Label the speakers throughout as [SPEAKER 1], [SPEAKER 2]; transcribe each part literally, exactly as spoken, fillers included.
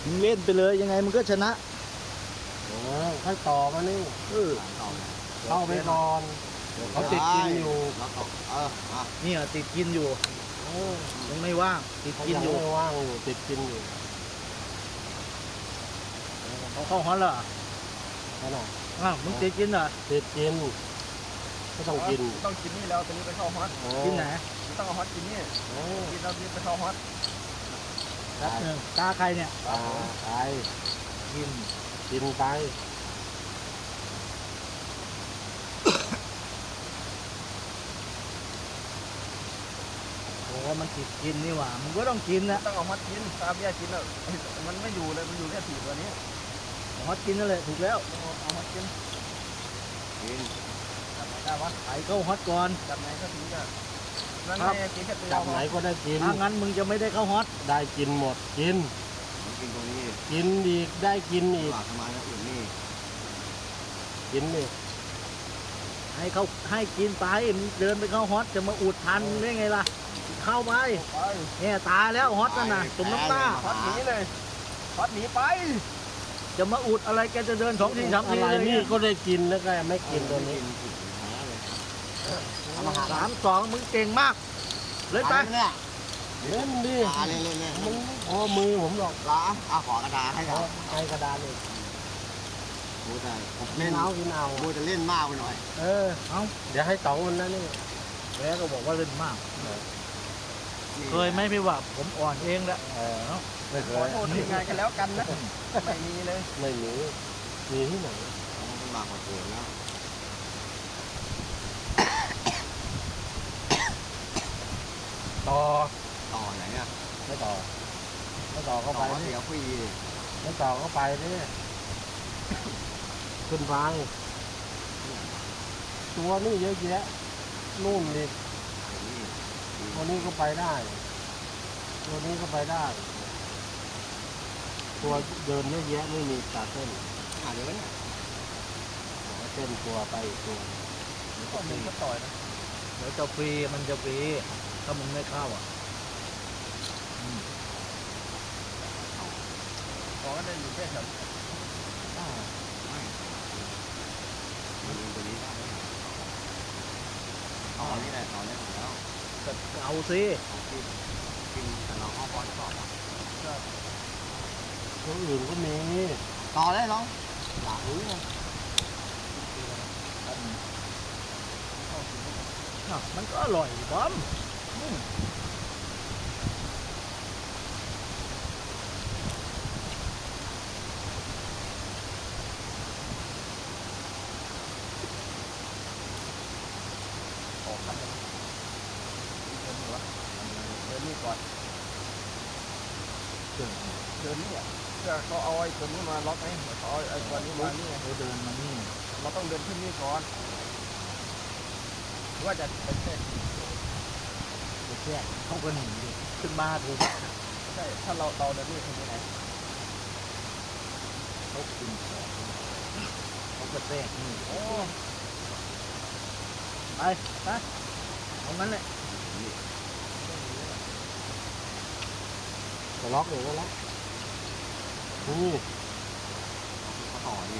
[SPEAKER 1] มึงเล่นไปเลยยังไงมึงก็ชนะ
[SPEAKER 2] เออค่อยต่อมานี่
[SPEAKER 1] เออ
[SPEAKER 2] เข้าไปก่อนเขาติดกินอยู่
[SPEAKER 3] แล้วก็เอออ่ะ
[SPEAKER 1] เนี่ยติดกินอยู่ยังไม่ว่างติด
[SPEAKER 2] เขา
[SPEAKER 1] กิน
[SPEAKER 2] ยัง
[SPEAKER 1] อยู่
[SPEAKER 2] ไม่ว่างอยู่ติดกินอยู่
[SPEAKER 1] เขาเข้าฮอตเหรอ
[SPEAKER 2] นั่นน่ะ
[SPEAKER 1] อ้าวมึงติดกินเหรอ
[SPEAKER 2] ติดกินก็ต้องกิน
[SPEAKER 3] ต้องกินนี่แล้วตอนนี้ไปเข้าฮอต
[SPEAKER 2] เออ
[SPEAKER 1] กินไหน
[SPEAKER 3] ต้องเอาฮอตกินนี่
[SPEAKER 2] เออ
[SPEAKER 3] กินแล้วนี่ไปเข้าฮอต
[SPEAKER 1] แป๊บหนึงตาใครเนี่ย
[SPEAKER 2] ตาไป
[SPEAKER 1] กิน
[SPEAKER 2] กินไป
[SPEAKER 1] โอ้มันติดกินนี่หว่ามึงก็ต้องกินนะ
[SPEAKER 3] ต้องเอาฮอตกินตาเบี้ยกินแล้วมันไม่อยู่เลยมันอยู่แค่ถีบตัวนี้
[SPEAKER 1] ฮอตกินนั่นแหละถูกแล้ว
[SPEAKER 3] ต้องเอาฮอตกินกินจับไหนได้วะ
[SPEAKER 1] ไอ้เข้าฮอตก่อน
[SPEAKER 3] จับไหนก็ถึงจะนั่นไงกินแค่ตัว
[SPEAKER 2] จับไหนก็ได้กิน
[SPEAKER 1] ถ้างั้นมึงจะไม่ได้เข้าฮอต
[SPEAKER 2] ได้กินหมดกิน
[SPEAKER 3] กินตรงนี้
[SPEAKER 2] กินอีกได้กินอีก
[SPEAKER 3] หลักทำไมแล้วอื่นนี่
[SPEAKER 2] กินนี่
[SPEAKER 1] ให้เขาให้กินไปมึงเดินไปเข้าฮอตจะมาอุดทันได้ไงล่ะเข้าไป
[SPEAKER 3] ไป
[SPEAKER 1] เนี่ยตายแล้วฮอตนั่นน่ะตุ่มน้ำตา
[SPEAKER 3] ฮอตหนีเลยฮอตหนีไป
[SPEAKER 1] จะมาอุดอะไรแกจะเดินสองทีสาม
[SPEAKER 2] อะ
[SPEAKER 1] ที
[SPEAKER 2] ไร
[SPEAKER 1] เลย
[SPEAKER 2] นี่
[SPEAKER 1] เนี่ย
[SPEAKER 2] ก็ได้กินแล้วก็ไม่กินตัวนี้
[SPEAKER 1] สามสองมึงเก่งมากเลยไป
[SPEAKER 3] เนี่ย
[SPEAKER 2] เล่นดิ
[SPEAKER 3] ตาเล่นเล่นเล่น
[SPEAKER 2] มึงโอ้มือผมหรอก
[SPEAKER 3] ล้าเอาขอกระดาษให้เขา
[SPEAKER 2] ไอกระดานเลย
[SPEAKER 3] โอ้แต่ผม
[SPEAKER 2] กิ
[SPEAKER 3] เล่
[SPEAKER 2] น
[SPEAKER 3] น
[SPEAKER 2] เอากินเอา
[SPEAKER 3] โอ้จะเล่นมากไปหน่อย
[SPEAKER 2] เออเอาเดี๋ยวให้สองคนนั้นนี่
[SPEAKER 1] แกก็บอกว่าเล่นมาก เคยไหมพี่ว่าผมอ่อนเองแหละเออ
[SPEAKER 2] ไม่เค
[SPEAKER 3] ขอย โทษทีมงานกันแล้วกันนะไม่มีเลย
[SPEAKER 2] ไม่มีมีที่ไหน
[SPEAKER 3] ต้องมากกว่าตัวแล้ว
[SPEAKER 2] ต่อ
[SPEAKER 3] ต่อไหนอ่ะ
[SPEAKER 2] ไม่ต่อไม่ต่อก็
[SPEAKER 3] ต่
[SPEAKER 2] ไป
[SPEAKER 3] อ
[SPEAKER 2] ดิ
[SPEAKER 3] เสียฟรี
[SPEAKER 2] ไม่ต่อก็ไปดิขึ้นไปตัวนี่เยอะแยะนู่นนี่ตัวนี้ก็ไปได้ตัวนี้ก็ไปได้ ตัวเดินเยอะแยะไม่มีตาเส้น
[SPEAKER 3] หาเดี๋ยวเนี่ย
[SPEAKER 2] เส้นตัวไปอีกตัว
[SPEAKER 3] ก็มีก็ต่อยนะ
[SPEAKER 1] เดี๋ยวจะฟรีมันจะฟรีถ้ามึงไม่เข้าอ่ะ
[SPEAKER 3] ขอก็ได้อยู่แค่แถวไม่มันตัวนี้ได้ต่อนี่แหละต่อเนี่ยแล้ว
[SPEAKER 1] เอาสิ
[SPEAKER 3] กินกินแต่เราเข้าบอลต่อ
[SPEAKER 2] ตัวอื่นก็มี
[SPEAKER 3] ต่อได้น้องอยากรู้เลย
[SPEAKER 1] อ่ะมันก็อร่อยบอม
[SPEAKER 3] ออกกันเลยเดินหัวเดินนี่ก่อนเดินนี่อ่ะเพื่อเขาเอาไอ้ตัวนี้มาล็อกไงเขาเอาไอ้ตัวนี้มานี่ไง
[SPEAKER 1] เราเดินมานี่
[SPEAKER 3] เราต้องเดินขึ้นนี่ก่อนว่าจะเป็นแค่
[SPEAKER 1] ไปแค่เขาก็หนีดิขึ้นมาถูก
[SPEAKER 3] ใช่ถ้าเราเราเดินนี่ขึ้นที่ไหน
[SPEAKER 1] เขากินของเขาก็แทรกนี่
[SPEAKER 3] โอ้
[SPEAKER 1] ไปไปเอางั้นแหละ
[SPEAKER 2] จะล็อกเลยก็ล็อกนี่
[SPEAKER 3] เขาต่อนี่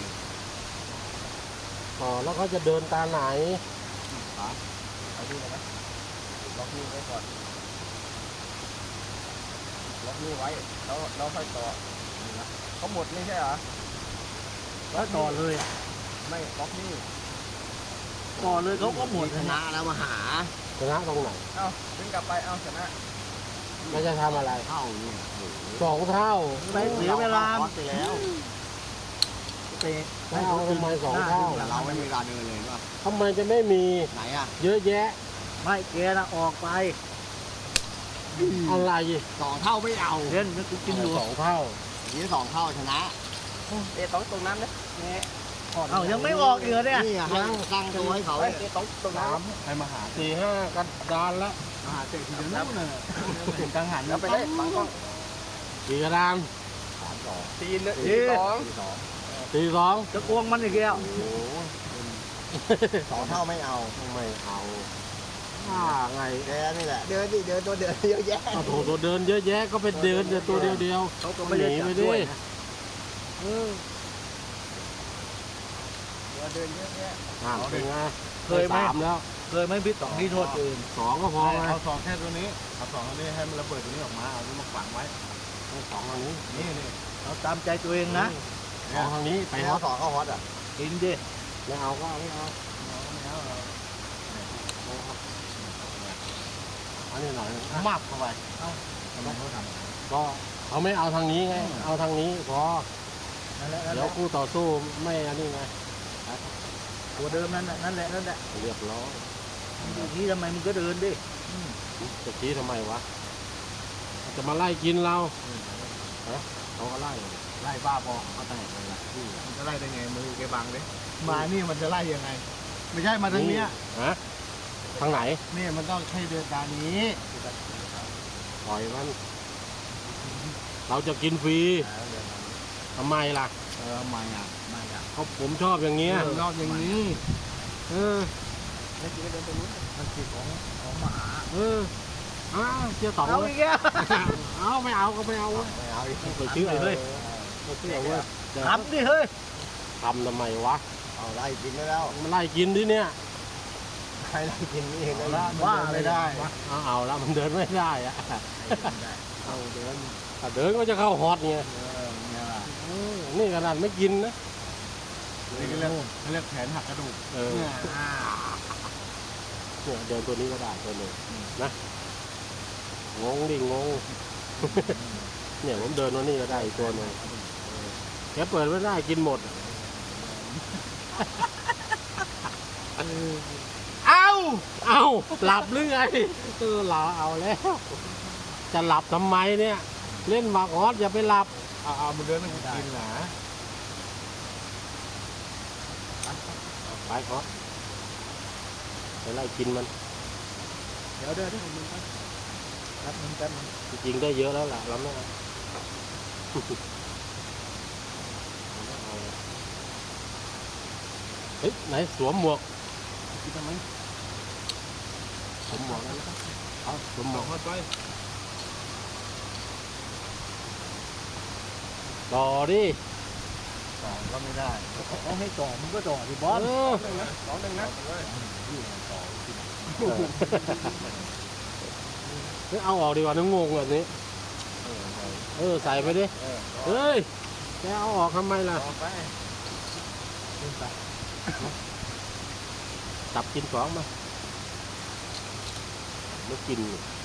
[SPEAKER 2] ต่อแล้วเขาจะเดินตาไหน
[SPEAKER 3] ครับเอาดูเลยไหมล็อกนี่ไว้ก่อนล็อกนี่ไว้แล้วเราค่อยต่อนี่นะเขาหมดนี่ใช่เหรอ
[SPEAKER 1] แล้วต่อเลยอ่ะ
[SPEAKER 3] ไม่ล็อกนี่
[SPEAKER 1] ต่อเลยเขาก็หมด
[SPEAKER 3] ชนะแล้วมาหา
[SPEAKER 2] ชนะตรงไหน
[SPEAKER 3] เอ้าดึงกลับไปเอ้าชนะ
[SPEAKER 2] มันจะทำอะไร
[SPEAKER 3] เท่านี่โอ้โห
[SPEAKER 2] สองเท่า
[SPEAKER 1] ไปเสียเวลา
[SPEAKER 3] รไปแล้ว
[SPEAKER 1] เตะ
[SPEAKER 2] ไม่เอาทำไมสองเท่า
[SPEAKER 3] แต่เราไม่มีเวลาเดินเลยว่า
[SPEAKER 2] ทำไมจะไม่มี
[SPEAKER 3] ไหนอ่ะ
[SPEAKER 2] เยอะแยะ
[SPEAKER 1] ไม่แกนะออกไป
[SPEAKER 2] อะไร
[SPEAKER 3] สองเท่าไม่เอา
[SPEAKER 1] เล่นนึกกินอยู่
[SPEAKER 2] สองเท่า
[SPEAKER 3] ทีนี้สองเท่าชนะเตะต้องตรงนั้นนะเนี่ย
[SPEAKER 1] เอ้ายังไม่ออกอีกเหรอเนี่ย
[SPEAKER 3] นี่อ่ะให้ตั้งตัวให้เขาเตะต้องตรงนั้น
[SPEAKER 2] ให้มาหาสี่ห้ากระดานละ
[SPEAKER 3] มาหาเตะทีเดียวนู่นน่ะ
[SPEAKER 1] ถึงกังหัน
[SPEAKER 3] แล้วไปได้บางกล้อง
[SPEAKER 2] สี่กระดาน
[SPEAKER 3] สามสอง
[SPEAKER 1] ตีน
[SPEAKER 3] สี่สอง
[SPEAKER 2] สี่สอง
[SPEAKER 1] จะกวงมันอีกแล้ว
[SPEAKER 3] โอ้โหสองเท่าไม่เอา
[SPEAKER 2] ทำไมเอา
[SPEAKER 3] ม
[SPEAKER 2] อ่าไง
[SPEAKER 3] แกนี่แหละเดินดิเดินตัวเดินเยอะแยะ
[SPEAKER 2] โอ้โหตัวเดินเยอะแยะก็ไปเดินแต่ตัวเดียวเดียว
[SPEAKER 1] เขาก็ไม่ได้จับด้วยนะ
[SPEAKER 2] เออ
[SPEAKER 3] ตัวเดินเยอะแยะ
[SPEAKER 2] อ่าเป็นไง
[SPEAKER 1] เคยไหม
[SPEAKER 2] สามแล้ว
[SPEAKER 1] เคยไหมพี่ต๋องที่โทษตัวเอง
[SPEAKER 2] สองก็พอไง
[SPEAKER 3] เอาสองแค่ตัวนี้เอาสองตัวนี้ให้มันระเบิดตัวนี้ออกมาเอาตัวนี้มาฝังไว้
[SPEAKER 2] สองทางนี้
[SPEAKER 3] นี่นี่
[SPEAKER 1] เราตามใจตัวเองนะ
[SPEAKER 2] สองทางนี้ไป
[SPEAKER 3] ไป
[SPEAKER 2] ฮอ
[SPEAKER 3] เอา
[SPEAKER 2] ต
[SPEAKER 3] สองเข้าฮอตอ่ะ
[SPEAKER 1] กินดิ
[SPEAKER 2] ไม่เอาก็ไม่เอา
[SPEAKER 3] ไม่เอาเรา
[SPEAKER 2] อันนี้หน่อย
[SPEAKER 3] มับเข้าไปเอ้าทำไมเขาทำ
[SPEAKER 2] ก็เขาไม่เอาทางนี้ไงเอาทางนี้พอ
[SPEAKER 1] นั่นแหละนั่นแห
[SPEAKER 2] เดี๋ยว
[SPEAKER 1] ละ
[SPEAKER 2] คู่ต่อสู้ไม่อันนี้ไง
[SPEAKER 1] ตัวเดิมนั่นแหละนั่นแหละนั่นแหละ
[SPEAKER 2] เรียบร้อย
[SPEAKER 1] ดูที่ทำไมมึงก็เดินดิ
[SPEAKER 2] จะชี้ทำไมวะจะมาไล่กินเราเขาก็ไล่
[SPEAKER 3] ไล่บ้าบอเขาแตกเลยล่ะมันจะไล่ได้ไงมือแกบังเลยมานี่มันจะไล่ยังไง ไม่ใช่มาทางเนี้ย
[SPEAKER 2] ฮะทางไหน
[SPEAKER 3] นี่มันต้องใช้เดินตามนี้
[SPEAKER 2] ปล่อยมัน เราจะกินฟรีทำไมล่ะ
[SPEAKER 3] เออมาอ่ะมาอ่ะ
[SPEAKER 2] เขาผมชอบอย่างเงี้ย
[SPEAKER 3] รอบอย่างนี้
[SPEAKER 2] เออ
[SPEAKER 3] แล้วกินก็เดินไปนู้น
[SPEAKER 1] มันคือของของหมา
[SPEAKER 2] เอออ้าวเจ้าต่อง
[SPEAKER 1] เอา
[SPEAKER 2] เล
[SPEAKER 1] อี
[SPEAKER 2] ย
[SPEAKER 1] กแล้ว
[SPEAKER 2] เอาไม่เอาก็ไม่เอาเว้ย
[SPEAKER 3] ไม่เอาอีก
[SPEAKER 2] ไปเชื่อเลยไปเชื่อเว้ย
[SPEAKER 1] ทำดิเฮ้ย
[SPEAKER 2] ทำทำไมวะ
[SPEAKER 3] เอาไล่กินได้แล้ว
[SPEAKER 2] มันไล่กินดิเนี่ย
[SPEAKER 3] ใครไล่กินนี่เองนะ
[SPEAKER 1] ว่า
[SPEAKER 3] มัน
[SPEAKER 1] อะไร
[SPEAKER 3] เดินไม่
[SPEAKER 1] ได้
[SPEAKER 3] ได้
[SPEAKER 2] เอาเอาแล้วมันเดินไม่ได้อะ
[SPEAKER 3] เอาเดิน
[SPEAKER 2] ถ้าเดินก็จะเข้าฮอตไง
[SPEAKER 3] เออเนี่ยล่ะ
[SPEAKER 2] เออนี่ขนาดไม่กินนะ
[SPEAKER 3] นี่ก็เรียกเขาเรียกแขนหักกระดูก
[SPEAKER 2] เออ
[SPEAKER 3] เนี่ยอ่า
[SPEAKER 2] เนี่ยเดินตัวนี้ก็ได้ตัวหนึ่งนะงงดิงง เนี่ยผมเดินตัวนี้ก็ได้อีกตัวหนึ่งแกเปิดไม่ได้กินหมด
[SPEAKER 3] เอ้า
[SPEAKER 2] เอาหลับหรือไงเออหลับเอาแล้ว จะหลับทำไมเนี่ย เล่นหมากฮอตอย่าไปหลับ
[SPEAKER 3] เอาเอามันเดินมันกินหนา
[SPEAKER 2] ไปฮอตไปไล่กินมัน
[SPEAKER 1] เดี๋ยวเดินที่ผมมึงครับแป๊บนึงแป๊บนึง
[SPEAKER 2] จริงๆได้เยอะแล้วล่ะเราไม่เอาเฮ้ยไหนสวมหมวก
[SPEAKER 3] กินทำไม
[SPEAKER 2] สวมหมวกแล้วนะเอาสวมหม
[SPEAKER 3] บ
[SPEAKER 2] ว
[SPEAKER 3] อก
[SPEAKER 2] ก
[SPEAKER 3] เขาไป
[SPEAKER 2] ต่อดิ
[SPEAKER 3] สองก็ไม่ได้
[SPEAKER 1] เอาให้ต่อมึงก็ต่อดิบอส
[SPEAKER 2] เออ
[SPEAKER 3] สองหนึ่งนะ
[SPEAKER 2] เฮ้ยเอาออกดีกว่านึกงงแบบนี้ เออใส่ไปดิ
[SPEAKER 3] เออ
[SPEAKER 2] เฮ้ยแกเอาออกทำไมล่ะ
[SPEAKER 3] ต่อไป
[SPEAKER 2] จับกินสองมาไม่กิน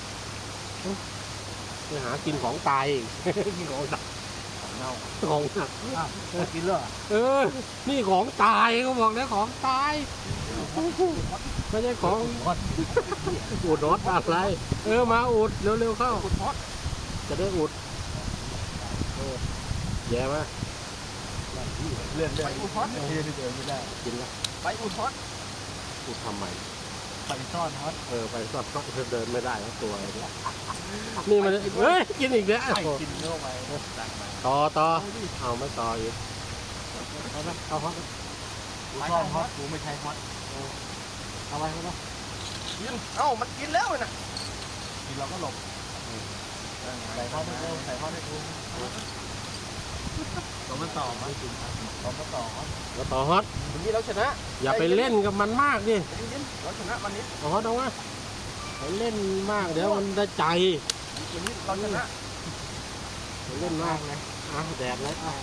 [SPEAKER 2] ไปหากินของตายอีก กินของตาย
[SPEAKER 3] ของเน่า
[SPEAKER 2] ของหนัก
[SPEAKER 1] อ้าวเอากินเลยเหรอ
[SPEAKER 2] เออ นี่ของตายเขาบอกแล้วของตาย ไม่ใช่ของ
[SPEAKER 1] บอส
[SPEAKER 2] อุดรถอะไร เออมาอุดเร็วๆเข้า
[SPEAKER 3] อุดฮอต
[SPEAKER 2] จะได้อุดเออแย่มา
[SPEAKER 3] เลื่อนเลื่อนไปอุดฮอตที่เดินไม่ได้
[SPEAKER 2] กินละ
[SPEAKER 3] ไปอุดฮอต
[SPEAKER 2] อุดทำไม
[SPEAKER 1] ไปซ่อนฮอต
[SPEAKER 2] เออไปสอดก็เดินไม่ได้ทั้งตัวเลยเนี่ยนี่มันเฮ้ยกินอีกแล้ว
[SPEAKER 3] ไปกินเข้าไปดังไป
[SPEAKER 2] ต่อต่อเอาไม่ต่ออีกเอาไปเอาฮอต
[SPEAKER 3] กูซ่อนฮอตกูไม่ใช่ฮอต
[SPEAKER 2] เอาไปเอาไป
[SPEAKER 3] กินเอ้ามันกินแล้วนะกินเราก็หลบใส่ฮอตให้กูใส่ฮอตให้กูตัวมันต่อมากินตัวมันต่อฮอต
[SPEAKER 2] แล้วต่อฮอต
[SPEAKER 3] วันนี้เราชนะ
[SPEAKER 2] อย่าไปเล่นกับมันมากดิ
[SPEAKER 3] ยินเราชนะวันนี้
[SPEAKER 2] เอาฮอตเอาวะไปเล่นมากเดี๋ยวมันได้ใจ
[SPEAKER 3] วันนี้เราชนะ
[SPEAKER 2] ไปเล่นมากเลยอ่ะแดดเลยอ่ะ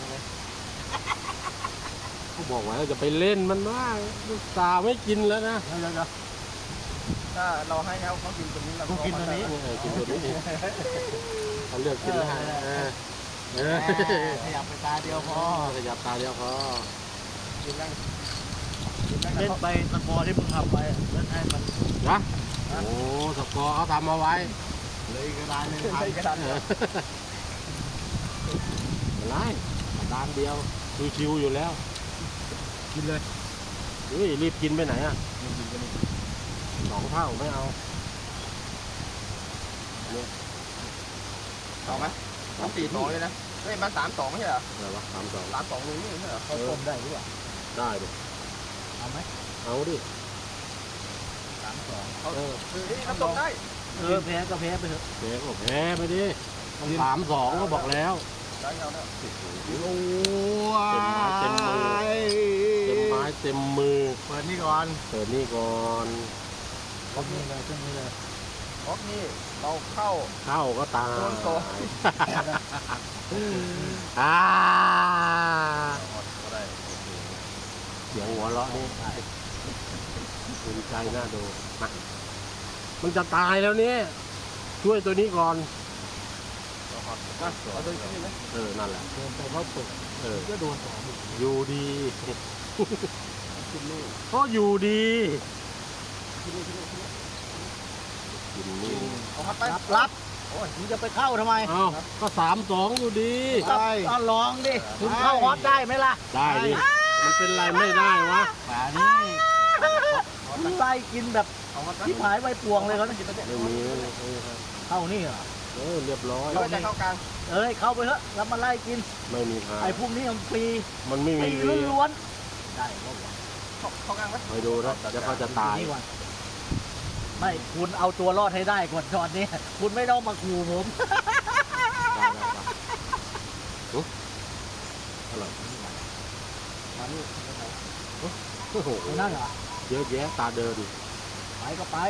[SPEAKER 2] เขาบอกว่าจะไปเล่นมันมากลูกตาไม่กินแล้วนะ
[SPEAKER 1] เดี๋ยวเดี๋ยวเดี๋ยว
[SPEAKER 3] ถ้าเราให้เขาเขากินตัวนี้เรา
[SPEAKER 1] กูกินตัวนี้
[SPEAKER 2] เออกินตัวนี้เขาเลือกกินแล้วเออเออ
[SPEAKER 3] ขยับไปตาเดียวพอ
[SPEAKER 2] ขยับตาเดียวพอ
[SPEAKER 3] กินนั่ง
[SPEAKER 1] เล่นไปตะกอที่มึงทำไปเล่นให้มัน
[SPEAKER 2] นะโอ้สกอร์เขาทำเอาไว้
[SPEAKER 3] เลยกระดานหนึ่งพันกระดาน
[SPEAKER 2] เอออะไรด้านเดียวชิวๆอยู่แล้ว
[SPEAKER 1] กินเลย
[SPEAKER 2] เฮ้ยรีบกินไปไหนอ่ะสองเท่าไม่เอา
[SPEAKER 3] ต่อไหมสามสี่สองเลยนะเฮ้ยมาสามสองไม่ใช่เหรอ
[SPEAKER 2] อะไรวะสามสอง
[SPEAKER 3] สามสองลุงนี่ไม่ใช่เหรอ
[SPEAKER 1] เขาต้มได้หรือเปล่า
[SPEAKER 2] ได้ดิ
[SPEAKER 1] เอาไหม
[SPEAKER 2] เอาดิ
[SPEAKER 3] สามส
[SPEAKER 1] สอง
[SPEAKER 2] เออ
[SPEAKER 3] น้ำตกได้
[SPEAKER 1] เออแพ้ก็แพ้ไปเถอะ
[SPEAKER 2] แพ้ก็แพ้ไปดิต้องสามสองก็บอกแล้ว
[SPEAKER 3] ได้เอาแล้ว
[SPEAKER 2] โอ้โห
[SPEAKER 3] โอ้
[SPEAKER 2] เต็มไม้เต็มมือ เต็มไม้เต็มมือ
[SPEAKER 3] เปิดนี่ก่อน
[SPEAKER 2] เปิดนี่ก่อน
[SPEAKER 1] ครบนี่เลยเครื่องนี้เลย
[SPEAKER 3] เพราะนี่เราเข้า
[SPEAKER 2] เข้าก็ตาย
[SPEAKER 3] โดนโกง
[SPEAKER 2] อ่า
[SPEAKER 3] ก็ได้
[SPEAKER 2] เสียงหัวเราะนี่ภูมิใจน่าดูมามันจะตายแล้วเนี่ยช่วยตัวนี้ก่อน
[SPEAKER 3] เอาตัวนี้ไหม
[SPEAKER 2] เออ นั่นแหละ
[SPEAKER 1] เดินไปเขาเปิด
[SPEAKER 2] เออ
[SPEAKER 1] ก็โดนสองอีก
[SPEAKER 2] อยู่ดี
[SPEAKER 1] ขึ้นลูก
[SPEAKER 2] ก็อยู่ดี
[SPEAKER 1] ขึ้นลูกขึ้นลูกขึ้นลูก
[SPEAKER 2] กินนี่
[SPEAKER 3] เอาพัดไป
[SPEAKER 1] รับรับโอ้ยมึงจะไปเข้าทำไม
[SPEAKER 2] เอ้าก็สามสองอยู่ดี
[SPEAKER 1] ก็ก็ลองดิคุณเข้าฮอตได้ไหมล่ะ
[SPEAKER 2] ได้ดิมันเป็นไรไม่ได้วะ
[SPEAKER 1] ป่านี่มึงไล่กินแบบ
[SPEAKER 3] เอาพัดไป
[SPEAKER 1] ที่หายใบปวงเลยเขาเนี่ย
[SPEAKER 2] ไม่มีเลยเออ
[SPEAKER 1] เข้านี่เหรอ
[SPEAKER 2] เออเรียบร้อย
[SPEAKER 3] เราจะเข้ากลาง
[SPEAKER 1] เอ้ยเข้าไปเถอะแล้วมาไล่กิน
[SPEAKER 2] ไม่มีทาง
[SPEAKER 1] ไอ้พวกนี้มันฟรี
[SPEAKER 2] มันไม่
[SPEAKER 1] ฟ
[SPEAKER 2] มี
[SPEAKER 1] รี
[SPEAKER 2] วี
[SPEAKER 1] ล้วนๆได้ก็หวัง
[SPEAKER 3] เข้าเข้ากลางไหม
[SPEAKER 2] ไปดูนะเดี๋ยวเขาจะตาย
[SPEAKER 1] นี่ก่อนไม่คุณเอาตัวรอดให้ได้ก่อนตอนนี้คุณไม่ต้องมาขู่ผม
[SPEAKER 2] ได้ได้ได้อุ๊ยอร่อย
[SPEAKER 1] มาลูก
[SPEAKER 2] โอ้โห
[SPEAKER 1] นั่นเหรอ
[SPEAKER 2] เยอะแยะตาเดิน
[SPEAKER 1] ไปก็ไป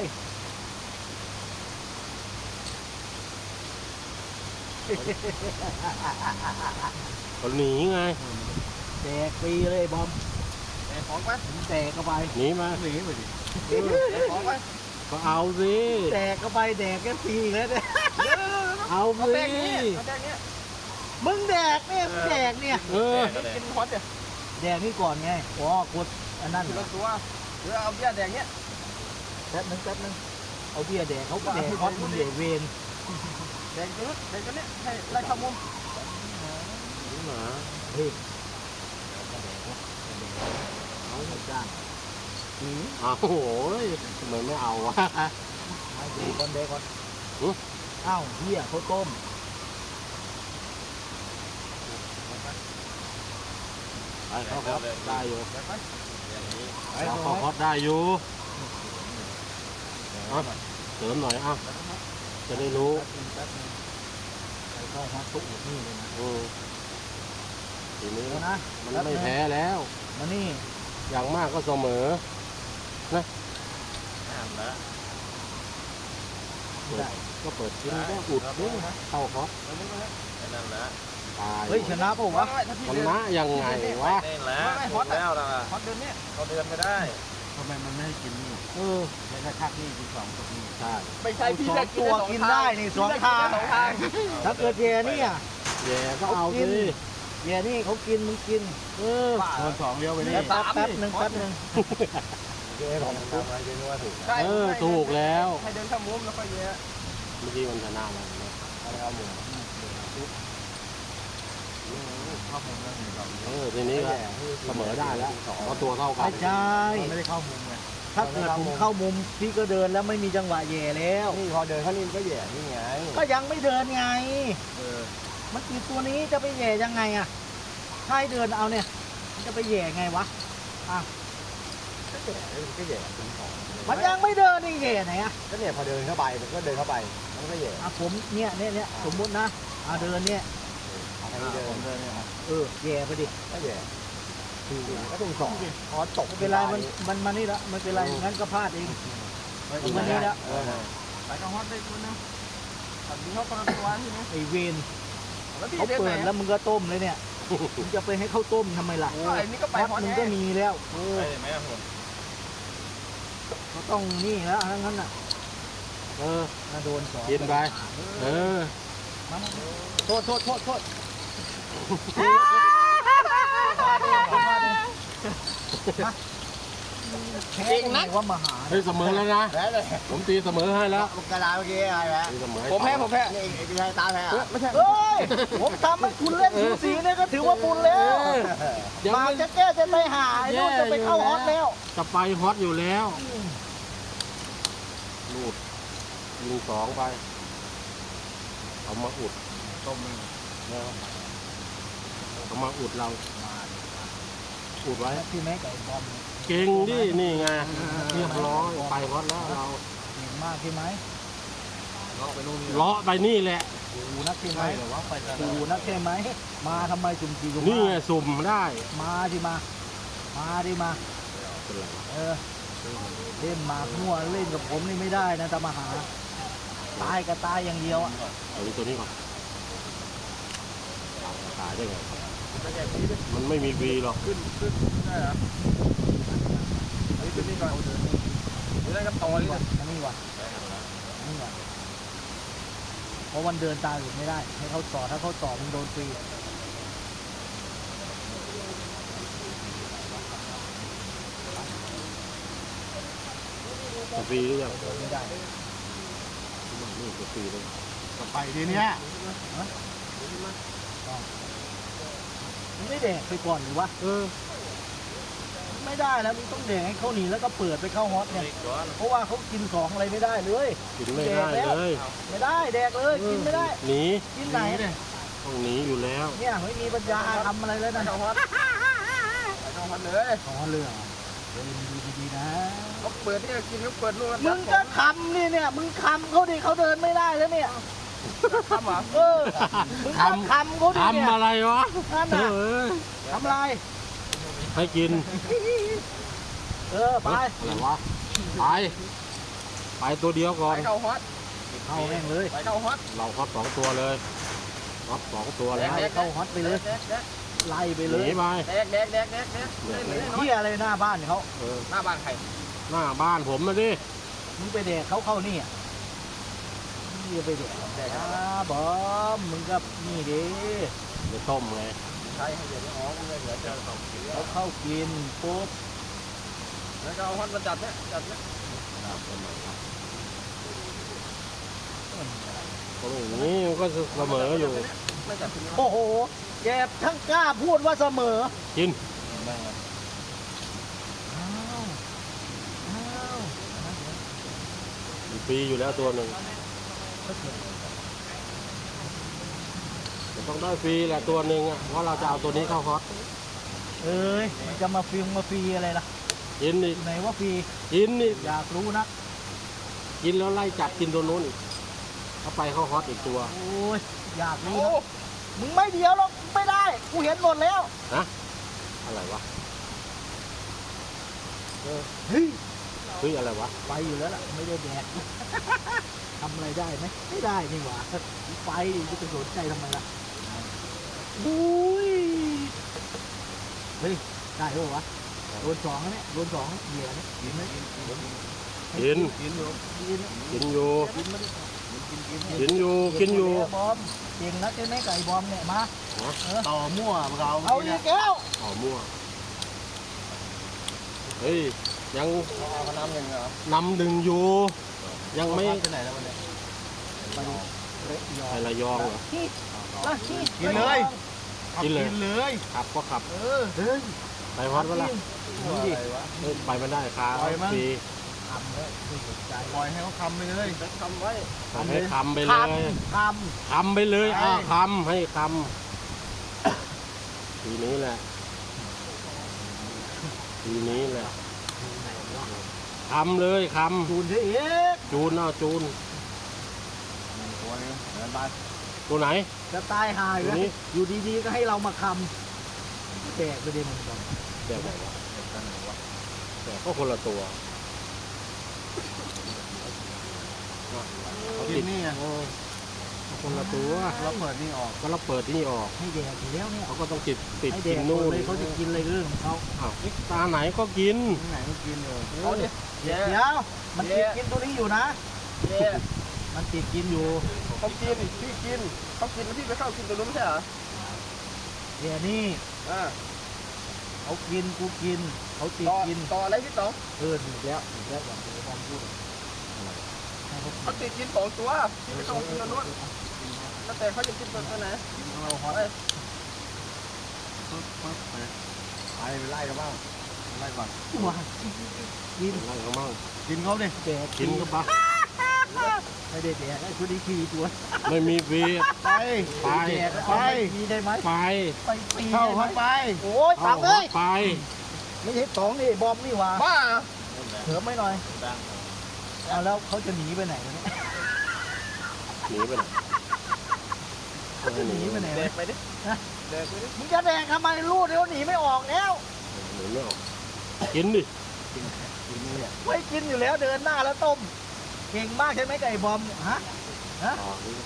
[SPEAKER 2] เขาหนีไง
[SPEAKER 1] แดกฟรีเลยบอม
[SPEAKER 3] แอบของไป
[SPEAKER 1] ผมแดกก็ไป
[SPEAKER 2] หนีมา
[SPEAKER 3] หนีไปดิ
[SPEAKER 2] เออ
[SPEAKER 3] แอบของไป
[SPEAKER 2] ก็เอาสิ
[SPEAKER 1] แดกก็ไปแดกแค่ฟรีแล้วเนี่ย
[SPEAKER 2] เอา
[SPEAKER 3] เอา
[SPEAKER 2] สิ
[SPEAKER 3] แป้งนี้เอาแป้งนี้
[SPEAKER 1] มึงแดกเนี่ยมึงแดกเนี่ย
[SPEAKER 2] เออ
[SPEAKER 3] กินฮอตเนี่ย
[SPEAKER 1] แดกนี่ก่อนไงอ๋อกดอันนั้น
[SPEAKER 3] ที
[SPEAKER 1] เหร
[SPEAKER 3] ละ
[SPEAKER 1] อ
[SPEAKER 3] ตัวหรือเอาเบี้ยแดงเนี้ย
[SPEAKER 1] แป๊บนึงแป๊บนึงเอาเบียร์แดกเขาก็แดกฮอตมึงเดกเวน
[SPEAKER 3] แดงตัวนู้นแดงตัวนี้ให้ไล่เข้ามุม
[SPEAKER 2] หมา
[SPEAKER 1] เฮ้ยก็แดกวะเขาไม่จ้าง
[SPEAKER 2] เอาโอ้โหทำไมไม่เอาวะ
[SPEAKER 1] ให้เดกก่อนเดกก่อน
[SPEAKER 2] อุ๊ย
[SPEAKER 1] อ้าวเฮียเขาวต้ม
[SPEAKER 2] ไปเข้าครับได้อยู่
[SPEAKER 3] แดงไปอย่างนี้
[SPEAKER 2] เราเข้าครับได้อยู่เอาเสริมหน่อยอ่ะจะได้รู้
[SPEAKER 1] แป๊บนึงใส่เข้าฮอตตุ๊กนี่เลยนะ
[SPEAKER 2] อืมทีนี้
[SPEAKER 1] เดี๋ยวนะ
[SPEAKER 2] มันไม่แพ้แล้ว
[SPEAKER 1] มานี่
[SPEAKER 2] อย่างมากก็เสมอ
[SPEAKER 3] ห้ามละ
[SPEAKER 1] ได้
[SPEAKER 2] ก็เปิดกินก็อุดนี่เข้าครับ
[SPEAKER 3] นั่นแหละ
[SPEAKER 2] ตาย
[SPEAKER 1] เฮ้ยชนะเปล่าวะ
[SPEAKER 2] ชนะยังไงวะ
[SPEAKER 3] นี่แหละฮอตแล้วนะฮอตเดินเนี่ยเขาเดินไม่ได้
[SPEAKER 1] ทำไมมันไม่ให้กินนี่เออในกระทักนี่กินสองตัวนี่
[SPEAKER 2] ใช่
[SPEAKER 3] ไม่ใช่พี่
[SPEAKER 1] สอ
[SPEAKER 3] จะ
[SPEAKER 1] งตัวกินได้นี่สองทาง
[SPEAKER 3] สองทาง
[SPEAKER 1] ถ้าเกิดแย่นี่อ่ะ
[SPEAKER 2] แย่ก็เอา
[SPEAKER 1] กิ
[SPEAKER 2] สิ
[SPEAKER 1] น แย่นี่เขากินมึงกิน
[SPEAKER 2] เออ
[SPEAKER 3] โดนสองเดียวไปนี่
[SPEAKER 1] แป๊บแป๊บหนึ่งแป๊บหนึ่ง
[SPEAKER 3] เย้ของทำอะไรเยอะว่าถูก
[SPEAKER 2] เออถูกแล้ว
[SPEAKER 3] ให้เดินเข้ามุมแล้วค่อยเยอะ
[SPEAKER 2] เมื่อกี้มันชนะแล้วนะ
[SPEAKER 3] อะไรเอาหมูเข้ามุมแล้วหนึ่งสอง
[SPEAKER 2] เออทีนี้ก็เสมอได้แล้วเพราะตัวเท่ากั
[SPEAKER 1] ไม่
[SPEAKER 2] น
[SPEAKER 1] ใช่
[SPEAKER 3] ไม่ได้เข้ามุมไง
[SPEAKER 1] ถ้าเกิดผมเข้ามุมพี่ก็เดินแล้วไม่มีจังหวะแย่แล้ว
[SPEAKER 3] นี่พอเดินเข้านี่ก็แย่นี่ไง
[SPEAKER 1] ก็ยังไม่เดินไง
[SPEAKER 3] เออ
[SPEAKER 1] มันกี่ตัวนี้จะไปแย่ยังไงอ่ะถ้าให้เดินเอาเนี่ยมันจะไปแย่ไงวะ
[SPEAKER 3] ก็แย่ก็แย่ถึงสอง
[SPEAKER 1] มันยังไม่เดินนี่แย่ไหนอ่ะ
[SPEAKER 3] ก็เนี่ยพอเดินเข้าไปมันก็เดินเข้าไปมันก็แย่
[SPEAKER 1] อ่ะผมเนี่ยเนี่ยเนี่ยสมมุตินะอ่ะเดินเนี่ย
[SPEAKER 3] เอาทางนี้เดินเดินเนี่ย
[SPEAKER 1] เออแย่ไปดิ
[SPEAKER 3] ก็แย่ก็ถึงสองพอตก
[SPEAKER 1] ไม่เป็นไรมันมันมานี่ละไม่เป็นไรงั้นก็พลาดเองมันนี่ละ
[SPEAKER 3] ไปกับฮอตได้ตัวนึงตัดดิ้งเขาคนละตัวใช่ไหม
[SPEAKER 1] ไอเวน
[SPEAKER 3] แล้วพี่
[SPEAKER 1] เขา
[SPEAKER 3] เดิน
[SPEAKER 1] เปิ
[SPEAKER 3] ไหน
[SPEAKER 1] ดแล้วมึงก็ต้มเลยเนี่ยมึงจะไปให้เขาต้มทำไมล่ะ
[SPEAKER 3] ก็ไอ้นี่ก็ไป
[SPEAKER 1] ฮอต
[SPEAKER 3] ฮอต
[SPEAKER 1] มึง
[SPEAKER 3] ไง
[SPEAKER 1] ก็มีแล้วเออ
[SPEAKER 3] ไปไหมอ่ะผม
[SPEAKER 1] เขาต้องนี่แล้วทั้งนั้นน่ะ
[SPEAKER 2] เออ
[SPEAKER 1] น่าโดนสอง
[SPEAKER 2] กินไป เออ
[SPEAKER 1] มามาโทษโทษโทษโทษแพ้กันไหนว่ามาหา
[SPEAKER 2] เฮ้ยเสมอแล้วนะ
[SPEAKER 3] แพ้เลย
[SPEAKER 2] ผมตีเสมอให้แล้ว
[SPEAKER 3] กระดาษเมื่อกี้อะไรแพ้
[SPEAKER 2] ตีเสมอให้
[SPEAKER 3] ผมแพ้ผมแพ้นี่ไอ้ชายตาแพ้ไม่ใช่
[SPEAKER 1] เอ้ยผมทำให้คุณเล่นสูสีเนี่ยก็ถือว่าบุญแล้ว
[SPEAKER 2] เดี๋ยว
[SPEAKER 1] มา
[SPEAKER 2] มัน
[SPEAKER 1] จะแก้จะไปหาไอ้นู่นจะไปเข้าฮอตแล้ว
[SPEAKER 2] จะไปฮอตอยู่แล้วลูดยิงสองไป เอามาอุด
[SPEAKER 3] ต้มมึง
[SPEAKER 2] นะเอามาอุดเรา อุดไว้
[SPEAKER 1] พี่แม็กกับไอ้บอม
[SPEAKER 2] เก่งดินี่ไงเรียบร้อยไปฮอตแล้วเรา
[SPEAKER 1] เก่งมากใช่ไหม
[SPEAKER 3] เลาะไปนู่นนี่
[SPEAKER 2] เลาะไปนี่แหละ
[SPEAKER 1] ดูนักใช่ไหม
[SPEAKER 3] ใช่เหรอวะไปจะ
[SPEAKER 1] ดูนักใช่ไหมมาทำไมจุ่มจีจุ่ม
[SPEAKER 2] นี่ไงสุ่มได้
[SPEAKER 1] มาดิมา มาดิมา
[SPEAKER 2] เป็นไรวะ
[SPEAKER 1] เออเล่นหมากมั่วเล่นกับผมนี่ไม่ได้นะตามหาตายก็ตายอย่างเดียวอ่ะ
[SPEAKER 2] เอาตัวนี้ก่อนตายได้ไงมันไม่มีวีหรอก
[SPEAKER 3] ขึ้นขึ้นได้เหรออันนี้ขึ้นนี่ก่อนเดี๋ยวได้กับต่อ
[SPEAKER 1] นี่
[SPEAKER 3] นี่
[SPEAKER 1] ว่ะนี่ว่ะนี่ว่ะเพราะวันเดินตามอยู่ไม่ได้ ให้เขาต่อถ้าเขาต่อมึงโดนฟรี
[SPEAKER 2] จะฟรีหรือยัง
[SPEAKER 1] เดินไม่ได้
[SPEAKER 2] นี่จะฟรีเลย
[SPEAKER 3] ต่อไปทีเนี้ย
[SPEAKER 1] มึงไม่แดกไปก่อนหรือวะ
[SPEAKER 2] เออ
[SPEAKER 1] ไม่ได้แล้วมึงต้องแดกให้เขาหนีแล้วก็เปิดไปเข้าฮอตเนี่ยเพราะว่าเขากินของอะไรไม่ได้เลย
[SPEAKER 2] กินไม่ได้เลย
[SPEAKER 1] ไม่ได้แดกเลยกินไม่ได้
[SPEAKER 2] หนี
[SPEAKER 1] กินไหน
[SPEAKER 2] ต้องหนีอยู่แล้ว
[SPEAKER 1] เนี่ยไม่มีปัญญาทำอะไรแล้วนะ
[SPEAKER 3] เข้าฮอตเข้าฮอตเลย
[SPEAKER 1] ของเรื่องเดินดีๆนะ
[SPEAKER 3] เขาเปิดที่กินเขาเปิดนู่น
[SPEAKER 1] มึงก็คำนี่เนี่ยมึงคำเขาดิเขาเดินไม่ได้แล้วเนี่ย
[SPEAKER 3] ทำเหรอ
[SPEAKER 1] เออมึงก็คำเขาดิเนี่ย
[SPEAKER 2] ทำอะไรวะ
[SPEAKER 1] นั่น
[SPEAKER 2] เอ
[SPEAKER 1] น่ะ
[SPEAKER 2] อ
[SPEAKER 1] ทำอะไร
[SPEAKER 2] ให้กิน
[SPEAKER 1] เออไป
[SPEAKER 2] อะไรวะไปไปตัวเดียวก่อ
[SPEAKER 3] ไป
[SPEAKER 2] น
[SPEAKER 3] เข้าฮอต
[SPEAKER 1] เข้าแม่งเลย
[SPEAKER 3] ไปเข้าฮอต
[SPEAKER 2] เราฮอตสองตัวเลยฮอตสองตัวแล้ว
[SPEAKER 1] ไล่เข้าฮอตไปเลย
[SPEAKER 3] แดกแดก
[SPEAKER 1] ไล่ไป
[SPEAKER 2] ห
[SPEAKER 1] เล
[SPEAKER 2] นี
[SPEAKER 1] ย
[SPEAKER 2] ไป
[SPEAKER 3] แดกแดกแดกแดกแดกได้เลยได้น้อย
[SPEAKER 1] เที่ยอะไรหน้าบ้านเขา
[SPEAKER 2] เออ
[SPEAKER 3] หน้าบ้านใคร
[SPEAKER 2] หน้าบ้านผมนะดิ
[SPEAKER 1] มึงไปแดกเขาเข้านี่อ่ะนี่ไปแดกแดกบอมมึงก็นี่ดิ
[SPEAKER 2] ไปต้มไง
[SPEAKER 3] ใช่ให้เดี๋ยวอ๋อมึงเลยเดี๋ยวเจอสองที
[SPEAKER 1] เขาเข้ากินปุ๊บ
[SPEAKER 3] แล้วก็เอาฮอตมาจัดเนี่ยจัดเนี่ย
[SPEAKER 2] ตรงนี้มันก็เสมออยู่
[SPEAKER 3] ไม่จัดทีนี้
[SPEAKER 1] โอ้โหแกทั้งกล้าพูดว่าเสมอ
[SPEAKER 2] กิน
[SPEAKER 1] อ้าวอ้าว
[SPEAKER 2] มันฟรีอยู่แล้วตัวหนึ่งมันต้องได้ฟรีแหละตัวหนึ่งอ่ะเพราะเราจะเอาตัวนี้เข้าฮอต
[SPEAKER 1] เอ้ยมันจะมาฟิลมาฟรีอะไรล่ะ
[SPEAKER 2] กินอีก
[SPEAKER 1] ไหนว่าฟรี
[SPEAKER 2] กินอีก
[SPEAKER 1] อยากรู้นัก
[SPEAKER 2] กินแล้วไล่จับกินตัวนู้นอีกเข้าไปเข้าฮอตอีกตัว
[SPEAKER 1] โอ้ยอยากรู้
[SPEAKER 3] โอ้
[SPEAKER 1] นักมึงไม่เดียวหรอกไม่ได้กูเห็นหมดแล้ว
[SPEAKER 2] นะอะไรวะ
[SPEAKER 1] เฮ้ย
[SPEAKER 2] เฮ้ยอะไรวะ
[SPEAKER 1] ไปอยู่แล้วล่ะไม่ได้แดก ทำอะไรได้ไหมไม่ได้นี่หว่าไปจะไปสนใจทำไมล่ะอุ้ยเฮ้ยได้หรอวะโดนสองแล้วเนี่ยโดนสองเหยื่อเนี่ยกินไหม
[SPEAKER 2] กิน
[SPEAKER 3] กินอยู่
[SPEAKER 1] กิน
[SPEAKER 2] กินอยู่
[SPEAKER 1] กินมาดิ
[SPEAKER 2] กินอยู่กินอยู่
[SPEAKER 1] บอมเก่งนักใช่ไหมไก่บอมเนี่ยมาเออ
[SPEAKER 3] ต่อมั่วเรา
[SPEAKER 1] เอาอีกแล้ว
[SPEAKER 2] อ๋อมั่วเฮ้ยยัง
[SPEAKER 3] เอาน้ำยังเหรอน
[SPEAKER 2] ำหนึ่งอยู่ ยังไม่
[SPEAKER 3] ไปไหนแล้ววันนี้
[SPEAKER 1] ไประยอง
[SPEAKER 2] ไประยองเหรอ
[SPEAKER 1] ที่ละที่
[SPEAKER 3] กินเลย
[SPEAKER 2] กินเลย
[SPEAKER 3] กินเลย
[SPEAKER 2] ขับก็ขับ
[SPEAKER 3] เออ
[SPEAKER 1] เฮ้ย
[SPEAKER 2] ไปฮอตวะล่ะ
[SPEAKER 1] นี่ดิ
[SPEAKER 3] อะไรวะ
[SPEAKER 2] เฮ้ยไปไม่ได้คา
[SPEAKER 3] ปล่อยมั้ง
[SPEAKER 2] ฟรี
[SPEAKER 1] ทำเลยไม่สนใจ
[SPEAKER 3] ปล่อยให้เขาคำไปเลยคำไว้
[SPEAKER 2] ให้คำไป
[SPEAKER 1] ท
[SPEAKER 2] เลย
[SPEAKER 1] ำท
[SPEAKER 2] คำไปเลย
[SPEAKER 3] ใช่
[SPEAKER 2] อ่าคำให้คำทีนี้แหละทีนี้แหละคำเลยค
[SPEAKER 1] ำจูนเสียเอก
[SPEAKER 2] ำจูนเอาจูน
[SPEAKER 3] ตัวนี้เหมือนบ้าน
[SPEAKER 2] ตัวไหน
[SPEAKER 1] จะตายหาย
[SPEAKER 2] ตัว
[SPEAKER 1] แล้ว
[SPEAKER 2] นี้
[SPEAKER 1] อยู่ดีๆก็ให้เรามาคำแตกไปเด็นมันก่อน
[SPEAKER 2] แบบไหนวะแต่ก็คนละตัว
[SPEAKER 3] เขากินนี่ไง
[SPEAKER 2] เออคนละตัว
[SPEAKER 3] เราเปิดนี่ออก
[SPEAKER 2] ก็เราเปิดนี่ออก
[SPEAKER 1] ให้แดกอยู่แล้วเนี่ย
[SPEAKER 2] เขาก็ต้องติดติด
[SPEAKER 1] ให้แด
[SPEAKER 2] กิ
[SPEAKER 1] ก
[SPEAKER 2] น
[SPEAKER 1] หม
[SPEAKER 2] นู่
[SPEAKER 1] ด
[SPEAKER 2] น
[SPEAKER 1] เลยเขาจะกินอะไรเรื่องของเขา
[SPEAKER 2] อ้าวตาไหนก็กิน
[SPEAKER 3] ที่ไหนก็กินเลย
[SPEAKER 1] เอาดิเดี๋ยวมันติดกินตัวนี้อยู่นะ
[SPEAKER 3] เย่
[SPEAKER 1] มันติดกินอยู่
[SPEAKER 3] เขากินพี่กินเขากินแล้วพี่ไปเข้ากินตัวนู้นไม่ใช่เหรอ
[SPEAKER 1] เดี๋ยวนี่
[SPEAKER 3] อ่า
[SPEAKER 1] เขากินกูกินเขาติด
[SPEAKER 3] ต่อ
[SPEAKER 1] กิน
[SPEAKER 3] ต่ออะไรพี่ต่อ
[SPEAKER 1] เออถูกแล้วถูกแล้วอย่างที่บอมพูดให้เขา
[SPEAKER 3] เขาติดกินสองตัวพี่ไปเข้ากินตัวนู้นแล้วแต่เขาจะกินตัวไหน
[SPEAKER 1] กินของเราฮอต
[SPEAKER 3] ไปไปไล่กันบ้างไล่ก่อน
[SPEAKER 1] ว้ากิน
[SPEAKER 2] อะไรเขามั่ง
[SPEAKER 3] กินเขาดิ
[SPEAKER 1] แดก
[SPEAKER 2] กินก็ปะ
[SPEAKER 1] ไม่ได้แดกไอ้คนนี้ขี่ตัว
[SPEAKER 2] ไม่มีฟรี
[SPEAKER 3] ไป
[SPEAKER 2] ไป
[SPEAKER 1] แดกเอาไปมีได้ไหม
[SPEAKER 2] ไป
[SPEAKER 1] ไปปี
[SPEAKER 3] เข้า
[SPEAKER 1] ได้ไหม
[SPEAKER 3] เข้าไป
[SPEAKER 1] โอ้ยตังเลย
[SPEAKER 2] ไป
[SPEAKER 1] ไม่ใช่สองนี่บอมนี่หว่า
[SPEAKER 3] บ้า
[SPEAKER 1] เถิมไม่หน่อย
[SPEAKER 3] ดัง
[SPEAKER 1] เอาแล้วเขาจะหนีไปไหนวะเนี่ย
[SPEAKER 2] หนีไปไหน
[SPEAKER 1] เขาจะหนีไปไหน
[SPEAKER 3] เด็
[SPEAKER 1] วะ
[SPEAKER 3] กไปดิเด็กไปดิ
[SPEAKER 1] มึงจะแดกทำไมลูกเดี๋ยวหนีไม่ออกแล้ว
[SPEAKER 2] หนีไม่ออกกินดิ
[SPEAKER 1] ไม่กินอยู่แล้วเดินหน้าแล้วต้มเก่งมากใช่ไหมไก่บอมฮะฮะ
[SPEAKER 2] ออกดิ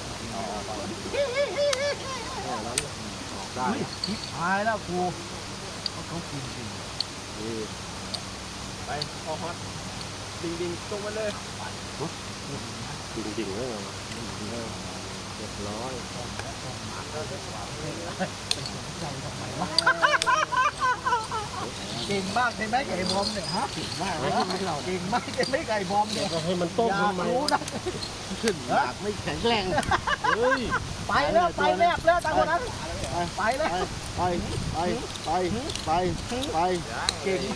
[SPEAKER 2] แค่นั้นออกได้
[SPEAKER 1] เฮ้ยทิพหายแล้วกูเขาเขากินจริง
[SPEAKER 2] นี่
[SPEAKER 3] ไปพอฮอตดิ่งดิ่งตรงมาเลย
[SPEAKER 2] จริงๆแล้วเรียบร้อย
[SPEAKER 1] เก่งมากใช่ไหมไก่บอมเนี่ยฮะเก่งมากเลยเก่งมากใช่ไหมไก่บอมเนี่ย
[SPEAKER 2] ก็ให้มันต้ม
[SPEAKER 1] อยาก
[SPEAKER 2] ทำไม
[SPEAKER 1] รู้นะ
[SPEAKER 3] ขึ้นหนักไม่แข็งแรง
[SPEAKER 2] เฮ้ย
[SPEAKER 1] ไปแล้วไปแลบแล้วตาคนนั้นไปแล้ว
[SPEAKER 3] ไปไปไปไปไป
[SPEAKER 1] เก่ง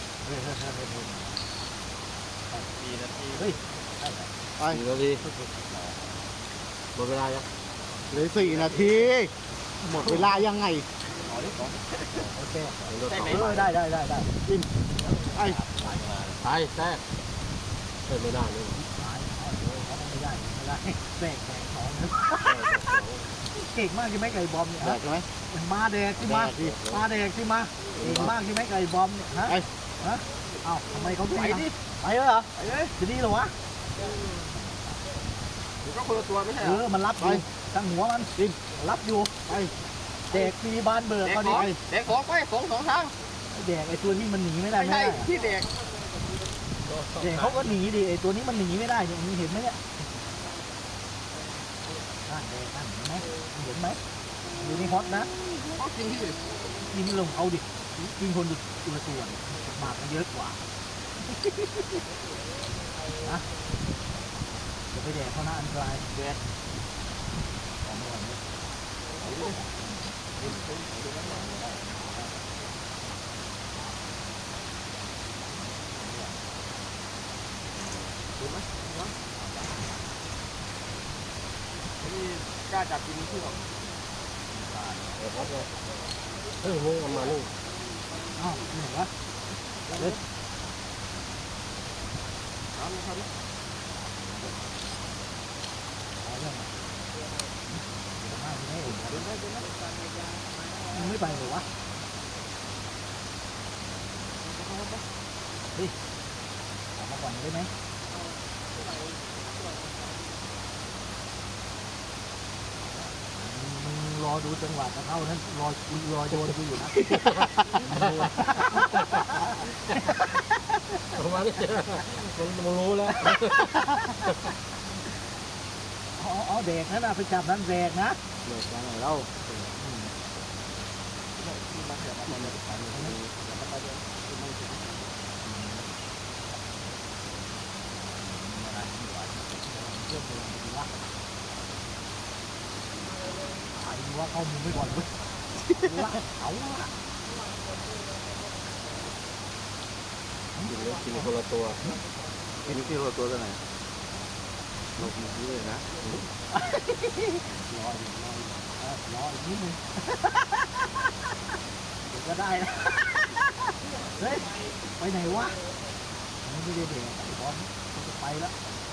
[SPEAKER 3] สี่นาที
[SPEAKER 1] เฮ้ย
[SPEAKER 3] ไป
[SPEAKER 2] สี่นาทีหมดเวลายัง
[SPEAKER 3] เหลือสี่นาที หมดเวลายังไง
[SPEAKER 1] โอเค
[SPEAKER 2] เดี๋ยวต่อ
[SPEAKER 1] เออได้ได้ได้ได้
[SPEAKER 3] ไอ้
[SPEAKER 2] ไปแทรกเอ้ยไม่ได้เลย
[SPEAKER 1] หายเขาไม่ได้ไม่ได้แบกแบกของเก่งมากใช่ไหมไก่บอมเนี่ย
[SPEAKER 3] แด
[SPEAKER 1] ฮะ
[SPEAKER 3] กใช่ไหม
[SPEAKER 1] มาแดกที่มามาแดกที่มาเก่งมากใช่ไหมไก่บอมเนี่ยฮะ
[SPEAKER 3] ไอ้
[SPEAKER 1] ฮะเอ้าทำไมเขาไม่
[SPEAKER 3] ไปดิ
[SPEAKER 1] ไปแล้วเหรอ
[SPEAKER 3] ไปเลย
[SPEAKER 1] จะดีเหรอวะ
[SPEAKER 3] มันก็คนละตัวไม่ใช่
[SPEAKER 1] เออมันรับอยู่ตั้งหัวมันดิรับอยู่
[SPEAKER 3] ไป
[SPEAKER 1] แดกมีบานเบิกเขาดิ
[SPEAKER 3] เด็กของไปสองสองทาง
[SPEAKER 1] แดกไอ้ตัวนี้มันหนีไม่ได้
[SPEAKER 3] ไม่
[SPEAKER 1] ไม่
[SPEAKER 3] ใช่
[SPEAKER 1] ได้
[SPEAKER 3] ที่เด็ก
[SPEAKER 1] แดกเขาก็หนีดิไอ้ตัวนี้มันหนีไม่ได้เนี่ยมึงเห็นไหมเนี่ยนั่นแดกนั่นเห็นไหมเห็นไหมอยู่ในฮอตนะ
[SPEAKER 3] เขากินที่
[SPEAKER 1] กินลงเอาดิกินคนดูตัวส่วนหมากมันเยอะกว่านะจะไปแดกเขานะอันตรายแดกของอร่อยเนี่ย
[SPEAKER 3] นี่กล้าจับกินที่หรอ
[SPEAKER 2] เดี๋ยวครับเลยเฮ้ยมึงเอามานี่
[SPEAKER 1] อ้าวนี่เหรอวะเล็ด
[SPEAKER 3] น้ำนะครับ
[SPEAKER 1] เอาเรื่องมาเดี๋ยวมาไม่เห็น
[SPEAKER 3] เดินได้เดินได้
[SPEAKER 1] มึงไม่ไปเหรอวะเฮ้ยออกมาก่อนได้ไหมมึงรอดูจังหวะจะเข้านั้นรอรอโยนกูอยู่นะ
[SPEAKER 2] เอามานี่มันมันรู้แล้ว
[SPEAKER 1] อ๋ออ๋อแดกนั่นนะไปจับนั้นแดกนะ
[SPEAKER 3] เด็กมาไหนเล่า
[SPEAKER 1] ไอ้ว่าเข้ามึงไปก่อนเว้ยละเอาละ
[SPEAKER 2] กินกินคนละตัว
[SPEAKER 3] กินที่ตัวตัวไหนลงมือเลยนะ
[SPEAKER 1] รออยู่รออยู่เออรออีกนิดนึงเดี๋ยวก็ได้นะเฮ้ยไปไหนวะมันไม่ได้เด็กไอ้บอลมันจะไปแล้ว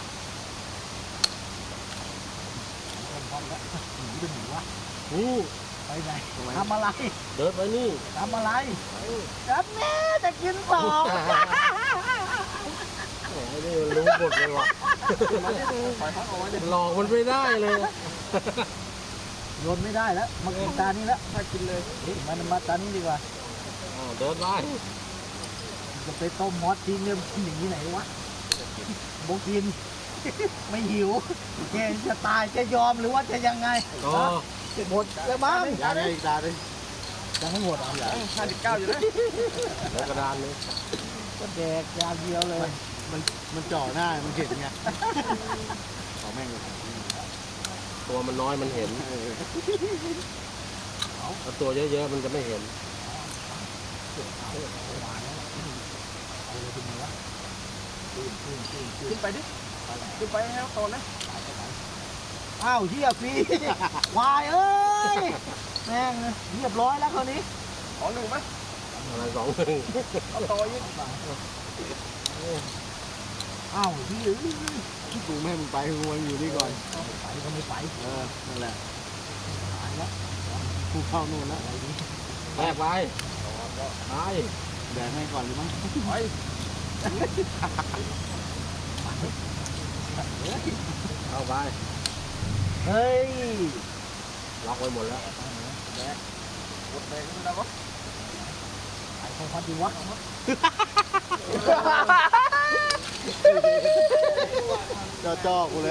[SPEAKER 1] มันพร้อมแล้วหนีไปไหนวะ
[SPEAKER 2] นี่
[SPEAKER 1] ไปไหนทำอะไร
[SPEAKER 2] เดินไปนี่
[SPEAKER 1] ทำอะไรจับแม่จะกินสอง
[SPEAKER 2] โอ้ยนี่มันรู้หมดเลยว่ะ
[SPEAKER 3] ปล่อยพักเอาไว้เดี๋ยว
[SPEAKER 2] หลอกมันไม่ได้เลย
[SPEAKER 1] โยนไม่ได้แล้วมากินตานี้แล้ว
[SPEAKER 3] ถ้ากินเลย
[SPEAKER 1] เฮ้ยมันมาตานี้ดีกว่า
[SPEAKER 2] อ้าวเดินไป
[SPEAKER 1] จะไปต้มมอสทิ้งเนี่ยกินอย่างนี้ไหนวะโบกิน ไม่หิวแกจะตายจะยอมหรือว่าจะยังไง
[SPEAKER 2] ก็
[SPEAKER 1] หมดแล้วมั้ง
[SPEAKER 3] ยาได้อีกดาเลย
[SPEAKER 1] ยังไม่หมดอ่ะ
[SPEAKER 3] ห้าสิบเก้าอยู่นะ
[SPEAKER 2] แล้วกระดานนี้
[SPEAKER 1] ก็แดกยาเดียวเลย
[SPEAKER 3] มันมันจ่อหน้ามันเห็นไงขอแม่งเลย
[SPEAKER 2] ตัวมันน้อยมันเห็น
[SPEAKER 3] เออ
[SPEAKER 2] ถ้าตัวเยอะๆมันจะไม่เห็น
[SPEAKER 3] ขึ้นไปดิขึ้นไปให้เขาโตนะ
[SPEAKER 1] อ้าวเฮียฟรีวายเอ้ยแม่งเรียบร้อยแล้วคราวนี้
[SPEAKER 3] ขอหนึ่งไหม
[SPEAKER 1] ม
[SPEAKER 2] อะไรสองหนึ่ง
[SPEAKER 1] เอาต่ออีกอ้าวที่ยืน
[SPEAKER 3] กูไม่ให้มึงไปกูมาอยู่นี่ก่อน
[SPEAKER 1] ไปก็ไม่ไป
[SPEAKER 3] เออนั่นแหละ
[SPEAKER 1] หายแล้ว
[SPEAKER 3] กูเข้านู่นแล้ว
[SPEAKER 1] อะไรนี้
[SPEAKER 2] แรกไปไป
[SPEAKER 3] แดกให้ก่อนหรือมั้ง
[SPEAKER 1] ไป
[SPEAKER 2] เข้าไป
[SPEAKER 1] เฮ้ย
[SPEAKER 2] ล็อกไว้หมดแล้ว
[SPEAKER 1] กดแดงไม่ได้วะไอ้ของพัดดีวะ
[SPEAKER 3] จ่อจ่อกูเลย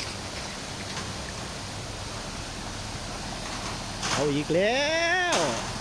[SPEAKER 2] เอาอีกแล้ว